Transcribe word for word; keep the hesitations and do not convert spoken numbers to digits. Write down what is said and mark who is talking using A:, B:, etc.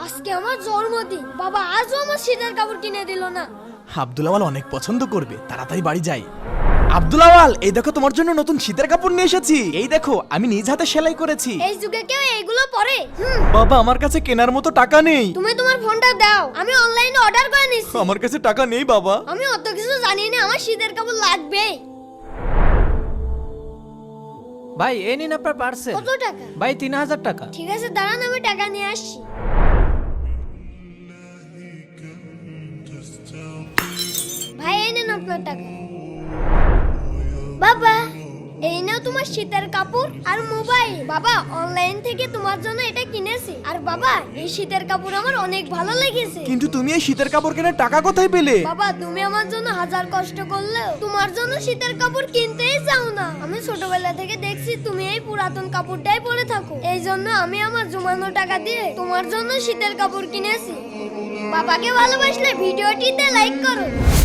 A: আজকে আমার জন্মদিন, বাবা আজও আমার শীতের কাপড় কিনে দিল না।
B: আব্দুল আওয়াল অনেক পছন্দ করবে, তাড়াতাড়ি বাড়ি যাই। আব্দুল আওয়াল, এই দেখো তোমার জন্য নতুন শীতের কাপড় নিয়ে এসেছি। এই দেখো আমি নিজ হাতে সেলাই করেছি।
A: এই যুগে কেউ এইগুলো পরে? হুম,
B: বাবা আমার কাছে কেনার মতো টাকা নেই।
A: তুমি তোমার ফোনটা দাও, আমি অনলাইনে অর্ডার করে নিচ্ছি।
B: আমার কাছে টাকা নেই বাবা।
A: আমি অত কিছু জানি না, আমার শীতের কাপড় লাগবে।
C: ভাই এই নিন আপনার পার্সেল।
A: কত টাকা?
C: ভাই তিন হাজার টাকা।
A: ঠিক আছে দাঁড়ান, আমি টাকা নিয়ে আসছি। ভাই এই নেন আপনার টাকা। বাবা এই নাও তোমার শীতের কাপড় আর মোবাইল। বাবা অনলাইন থেকে তোমার জন্য এটা কিনেছি। আর বাবা এই শীতের কাপড় আমার অনেক ভালো লেগেছে।
B: কিন্তু তুমি এই শীতের কাপড় কেনার টাকা কোথায় পেলে?
A: বাবা তুমি আমার জন্য হাজার কষ্ট করলেও তোমার জন্য শীতের কাপড় কিনতেই চাও না। আমি ছোটবেলা থেকে দেখছি তুমি এই পুরাতন কাপড়টাই পরে থাকো, এই জন্য আমি আমার জমানো টাকা দিয়ে তোমার জন্য শীতের কাপড় কিনেছি। বাবাকে ভালোবাসলে ভিডিওটিতে লাইক করো।